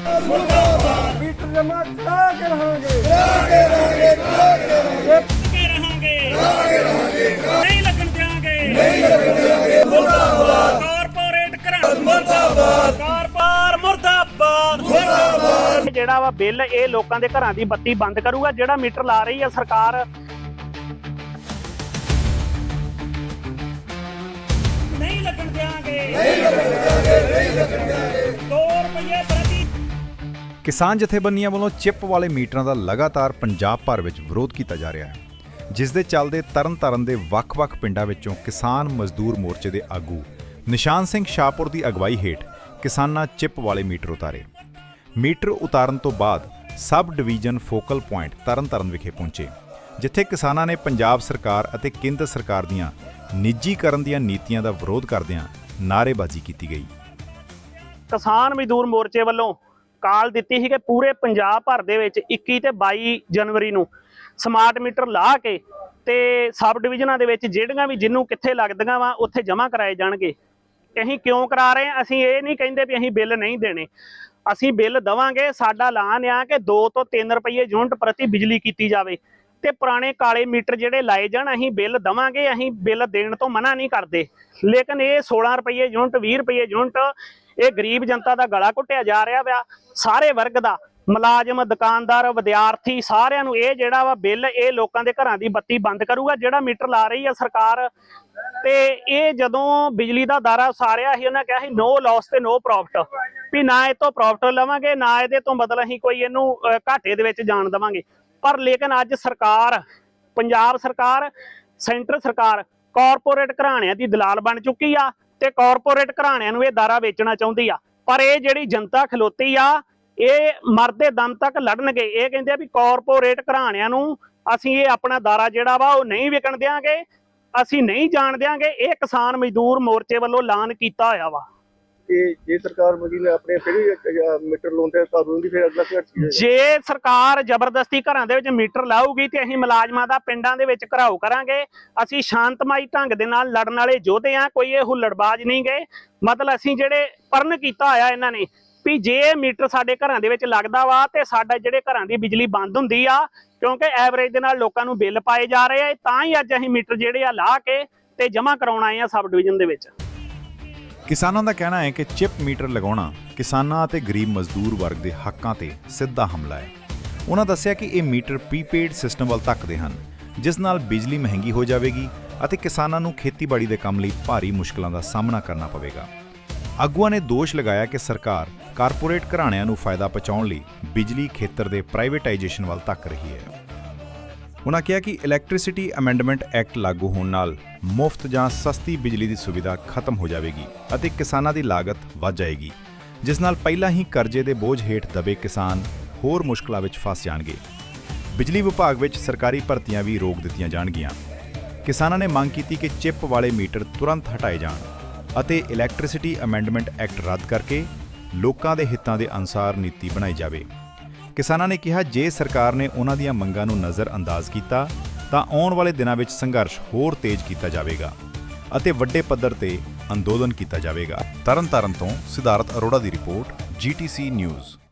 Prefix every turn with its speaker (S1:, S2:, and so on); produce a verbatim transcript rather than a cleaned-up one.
S1: मुर्दाबाद मीटर जमा करा के रहांगे करा के रहांगे करा के रहांगे के रहांगे करा के रहांगे नहीं लगन देंगे नहीं लगन देंगे मुर्दाबाद कारपोरेट करा मुर्दाबाद कारपार मुर्दाबाद मुर्दाबाद
S2: ਜਿਹੜਾ ਵਾ ਬਿੱਲ ਇਹ ਲੋਕਾਂ ਦੇ ਘਰਾਂ ਦੀ ਬੱਤੀ ਬੰਦ ਕਰੂਗਾ। ਜਿਹੜਾ ਮੀਟਰ ਲਾ ਰਹੀ ਆ ਸਰਕਾਰ ਨਹੀਂ ਲੱਗਣ ਦਿਆਂਗੇ
S1: नहीं लगन देंगे नहीं लगन देंगे
S2: दो रुपये प्रति।
S3: ਕਿਸਾਨ ਜਥੇਬੰਦੀਆਂ ਵੱਲੋਂ ਚਿੱਪ ਵਾਲੇ ਮੀਟਰਾਂ ਦਾ ਲਗਾਤਾਰ ਪੰਜਾਬ ਭਰ ਵਿੱਚ ਵਿਰੋਧ ਕੀਤਾ ਜਾ ਰਿਹਾ ਹੈ, ਜਿਸ ਦੇ ਚੱਲਦੇ ਤਰਨਤਾਰਨ ਦੇ ਵੱਖ-ਵੱਖ ਪਿੰਡਾਂ ਵਿੱਚੋਂ ਕਿਸਾਨ ਮਜ਼ਦੂਰ ਮੋਰਚੇ ਦੇ ਆਗੂ ਨਿਸ਼ਾਨ ਸਿੰਘ ਸ਼ਾਹਪੁਰ ਦੀ ਅਗਵਾਈ ਹੇਠ ਕਿਸਾਨਾਂ ਚਿੱਪ ਵਾਲੇ ਮੀਟਰ ਉਤਾਰੇ। ਮੀਟਰ ਉਤਾਰਨ ਤੋਂ ਬਾਅਦ subdivision focal point Tarn Taran ਵਿਖੇ ਪਹੁੰਚੇ, ਜਿੱਥੇ ਕਿਸਾਨਾਂ ਨੇ ਪੰਜਾਬ ਸਰਕਾਰ ਅਤੇ ਕੇਂਦਰ ਸਰਕਾਰ ਦੀਆਂ ਨਿੱਜੀਕਰਨ ਦੀਆਂ ਨੀਤੀਆਂ ਦਾ ਵਿਰੋਧ ਕਰਦਿਆਂ ਨਾਅਰੇਬਾਜ਼ੀ ਕੀਤੀ ਗਈ।
S2: ਕਿਸਾਨ ਮਜ਼ਦੂਰ ਮੋਰਚੇ ਵੱਲੋਂ ਕਾਲ ਦਿੱਤੀ ਸੀ ਕਿ ਪੂਰੇ ਪੰਜਾਬ ਭਰ ਦੇ ਵਿੱਚ ਇੱਕੀ ਤੇ ਬਾਈ ਜਨਵਰੀ ਨੂੰ ਸਮਾਰਟ ਮੀਟਰ ਲਾ ਕੇ ਤੇ ਸਬ ਡਿਵੀਜ਼ਨਾਂ ਦੇ ਵਿੱਚ ਜਿਹੜੀਆਂ ਵੀ ਜਿਹਨੂੰ ਕਿੱਥੇ ਲੱਗਦੀਆਂ ਵਾ ਉੱਥੇ ਜਮ੍ਹਾਂ ਕਰਾਏ ਜਾਣਗੇ। ਅਸੀਂ ਕਿਉਂ ਕਰਾ ਰਹੇ ਹਾਂ? ਅਸੀਂ ਇਹ ਨਹੀਂ ਕਹਿੰਦੇ ਵੀ ਅਸੀਂ ਬਿੱਲ ਨਹੀਂ ਦੇਣੇ, ਅਸੀਂ ਬਿੱਲ ਦੇਵਾਂਗੇ। ਸਾਡਾ ਐਲਾਨ ਆ ਕਿ ਦੋ ਤੋਂ ਤਿੰਨ ਰੁਪਏ ਯੂਨਿਟ ਪ੍ਰਤੀ ਬਿਜਲੀ ਕੀਤੀ ਜਾਵੇ ਤੇ ਪੁਰਾਣੇ ਕਾਲੇ ਮੀਟਰ ਜਿਹੜੇ ਲਾਏ ਜਾਣ ਅਸੀਂ ਬਿੱਲ ਦੇਵਾਂਗੇ। ਅਸੀਂ ਬਿੱਲ ਦੇਣ ਤੋਂ ਮਨਾ ਨਹੀਂ ਕਰਦੇ, ਲੇਕਿਨ ਇਹ ਸੋਲਾਂ ਰੁਪਏ ਯੂਨਿਟ ਵੀਹ ਰੁਪਏ ਯੂਨਿਟ ਇਹ ਗਰੀਬ ਜਨਤਾ ਦਾ ਗਲਾ ਘੁੱਟਿਆ ਜਾ ਰਿਹਾ ਵਾ। ਸਾਰੇ ਵਰਗ ਦਾ, ਮੁਲਾਜ਼ਮ, ਦੁਕਾਨਦਾਰ, ਵਿਦਿਆਰਥੀ, ਸਾਰਿਆਂ ਨੂੰ ਇਹ ਜਿਹੜਾ ਵਾ ਬਿੱਲ ਇਹ ਲੋਕਾਂ ਦੇ ਘਰਾਂ ਦੀ ਬੱਤੀ ਬੰਦ ਕਰੂਗਾ। ਜਿਹੜਾ ਮੀਟਰ ਲਾ ਰਹੀ ਆ ਸਰਕਾਰ ਤੇ ਇਹ ਜਦੋਂ ਬਿਜਲੀ ਦਾ ਦਾਰਾ ਉਸਾਰਿਆ ਸੀ ਉਹਨਾਂ ਕਿਹਾ ਸੀ ਨੋ ਲਾਸ ਤੇ ਨੋ ਪ੍ਰੋਫਿਟ, ਵੀ ਨਾ ਇਹ ਤੋਂ ਪ੍ਰੋਫਿਟ ਲਵਾਂਗੇ ਨਾ ਇਹਦੇ ਤੋਂ ਬਦਲ ਅਸੀਂ ਕੋਈ ਇਹਨੂੰ ਘਾਟੇ ਦੇ ਵਿੱਚ ਜਾਣ ਦੇਵਾਂਗੇ। ਪਰ ਲੇਕਿਨ ਅੱਜ ਸਰਕਾਰ, ਪੰਜਾਬ ਸਰਕਾਰ, ਸੈਂਟਰ ਸਰਕਾਰ ਕਾਰਪੋਰੇਟ ਘਰਾਣਿਆਂ ਦੀ ਦਲਾਲ ਬਣ ਚੁੱਕੀ ਆ ਤੇ ਕਾਰਪੋਰੇਟ ਘਰਾਣਿਆਂ ਨੂੰ ਇਹ ਦਾਰਾ ਵੇਚਣਾ ਚਾਹੁੰਦੀ ਆ। ਪਰ ਇਹ ਜਿਹੜੀ ਜਨਤਾ ਖਲੋਤੀ ਆ ਇਹ ਮਰਦੇ ਦਮ ਤੱਕ ਲੜਨਗੇ। ਇਹ ਕਹਿੰਦੇ ਆ ਵੀ ਕਾਰਪੋਰੇਟ ਘਰਾਣਿਆਂ ਨੂੰ ਅਸੀਂ ਇਹ ਆਪਣਾ ਦਾਰਾ ਜਿਹੜਾ ਵਾ ਉਹ ਨਹੀਂ ਵਿਕਣ ਦਿਆਂਗੇ, ਅਸੀਂ ਨਹੀਂ ਜਾਣ ਦਿਆਂਗੇ। ਇਹ ਕਿਸਾਨ ਮਜ਼ਦੂਰ ਮੋਰਚੇ ਵੱਲੋਂ ਐਲਾਨ ਕੀਤਾ ਹੋਇਆ ਵਾ।
S1: कि जे सरकार मोदी ने अपने फिर मीटर लाਉਂਦੇ ਕਾਨੂੰਨ ਦੀ ਫਿਰ ਅਗਲਾ ਕੀ?
S2: ਜੇ ਸਰਕਾਰ ਜ਼ਬਰਦਸਤੀ ਘਰਾਂ ਦੇ ਵਿੱਚ ਮੀਟਰ ਲਾਊਗੀ ਤੇ ਅਸੀਂ ਮੁਲਾਜ਼ਮਾਂ ਦਾ ਪਿੰਡਾਂ ਦੇ ਵਿੱਚ ਘਰਾਓ ਕਰਾਂਗੇ। ਅਸੀਂ ਸ਼ਾਂਤਮਈ ਢੰਗ ਦੇ ਨਾਲ ਲੜਨ ਵਾਲੇ ਯੋਧੇ ਆ, ਕੋਈ ਇਹ ਹੁੱਲੜਬਾਜ਼ ਨਹੀਂ ਗਏ। ਮਤਲਬ ਅਸੀਂ ਜਿਹੜੇ ਪਰਨ ਕੀਤਾ ਹੋਇਆ ਇਹਨਾਂ ਨੇ ਵੀ ਜੇ ਮੀਟਰ ਸਾਡੇ ਘਰਾਂ ਦੇ ਵਿੱਚ ਲੱਗਦਾ ਵਾ ਤੇ ਸਾਡਾ ਜਿਹੜੇ ਘਰਾਂ ਦੀ ਬਿਜਲੀ ਬੰਦ ਹੁੰਦੀ ਆ, ਕਿਉਂਕਿ ਐਵਰੇਜ ਦੇ ਨਾਲ ਲੋਕਾਂ ਨੂੰ ਬਿੱਲ ਪਾਏ ਜਾ ਰਹੇ ਆ। ਤਾਂ ਹੀ ਅੱਜ ਅਸੀਂ ਮੀਟਰ ਜਿਹੜੇ ਆ ਲਾ ਕੇ ਤੇ ਜਮ੍ਹਾਂ ਕਰਾਉਣ ਆਏ ਆ ਸਬ ਡਿਵੀਜ਼ਨ ਦੇ ਵਿੱਚ।
S3: ਕਿਸਾਨਾਂ ਦਾ ਕਹਿਣਾ ਹੈ ਕਿ ਚਿੱਪ ਮੀਟਰ ਲਗਾਉਣਾ ਕਿਸਾਨਾਂ ਅਤੇ ਗਰੀਬ ਮਜ਼ਦੂਰ ਵਰਗ ਦੇ ਹੱਕਾਂ ਤੇ ਸਿੱਧਾ ਹਮਲਾ ਹੈ। ਉਹਨਾਂ ਦੱਸਿਆ ਕਿ ਇਹ ਮੀਟਰ ਪ੍ਰੀਪੇਡ ਸਿਸਟਮ ਵੱਲ ਧੱਕਦੇ ਹਨ, ਜਿਸ ਨਾਲ ਬਿਜਲੀ ਮਹਿੰਗੀ ਹੋ ਜਾਵੇਗੀ ਅਤੇ ਕਿਸਾਨਾਂ ਨੂੰ ਖੇਤੀਬਾੜੀ ਦੇ ਕੰਮ ਲਈ ਭਾਰੀ ਮੁਸ਼ਕਲਾਂ ਦਾ ਸਾਹਮਣਾ ਕਰਨਾ ਪਵੇਗਾ। ਆਗੂਆਂ ਨੇ ਦੋਸ਼ ਲਗਾਇਆ ਕਿ ਸਰਕਾਰ ਕਾਰਪੋਰੇਟ ਘਰਾਣਿਆਂ ਨੂੰ ਫਾਇਦਾ ਪਹੁੰਚਾਉਣ ਲਈ ਬਿਜਲੀ ਖੇਤਰ ਦੇ ਪ੍ਰਾਈਵੇਟਾਈਜੇਸ਼ਨ ਵੱਲ ਧੱਕ ਰਹੀ ਹੈ। ਉਨ੍ਹਾਂ ਕਿਹਾ ਕਿ ਇਲੈਕਟ੍ਰਿਸਿਟੀ ਅਮੈਂਡਮੈਂਟ ਐਕਟ ਲਾਗੂ ਹੋਣ ਨਾਲ ਮੁਫਤ ਜਾਂ ਸਸਤੀ ਬਿਜਲੀ ਦੀ ਸੁਵਿਧਾ ਖਤਮ ਹੋ ਜਾਵੇਗੀ ਅਤੇ ਕਿਸਾਨਾਂ ਦੀ ਲਾਗਤ ਵੱਧ ਜਾਏਗੀ, ਜਿਸ ਨਾਲ ਪਹਿਲਾਂ ਹੀ ਕਰਜ਼ੇ ਦੇ ਬੋਝ ਹੇਠ ਦਬੇ ਕਿਸਾਨ ਹੋਰ ਮੁਸ਼ਕਲਾਂ ਵਿੱਚ ਫਸ ਜਾਣਗੇ। ਬਿਜਲੀ ਵਿਭਾਗ ਵਿੱਚ ਸਰਕਾਰੀ ਭਰਤੀਆਂ ਵੀ ਰੋਕ ਦਿੱਤੀਆਂ ਜਾਣਗੀਆਂ। ਕਿਸਾਨਾਂ ਨੇ ਮੰਗ ਕੀਤੀ ਕਿ ਚਿੱਪ ਵਾਲੇ ਮੀਟਰ ਤੁਰੰਤ ਹਟਾਏ ਜਾਣ ਅਤੇ ਇਲੈਕਟ੍ਰਿਸਿਟੀ ਅਮੈਂਡਮੈਂਟ ਐਕਟ ਰੱਦ ਕਰਕੇ ਲੋਕਾਂ ਦੇ ਹਿੱਤਾਂ ਦੇ ਅਨੁਸਾਰ ਨੀਤੀ ਬਣਾਈ ਜਾਵੇ। ਕਿਸਾਨਾਂ ਨੇ ਕਿਹਾ ਜੇ ਸਰਕਾਰ ਨੇ ਉਹਨਾਂ ਦੀਆਂ ਮੰਗਾਂ ਨੂੰ ਨਜ਼ਰ ਅੰਦਾਜ਼ ਕੀਤਾ ਤਾਂ ਆਉਣ ਵਾਲੇ ਦਿਨਾਂ ਵਿੱਚ ਸੰਘਰਸ਼ ਹੋਰ ਤੇਜ਼ ਕੀਤਾ ਜਾਵੇਗਾ ਅਤੇ ਵੱਡੇ ਪੱਧਰ ਤੇ ਅੰਦੋਲਨ ਕੀਤਾ ਜਾਵੇਗਾ। ਤਰਨਤਾਰਨ ਤੋਂ ਸਿਧਾਰਥ ਅਰੋੜਾ ਦੀ report, G T C news.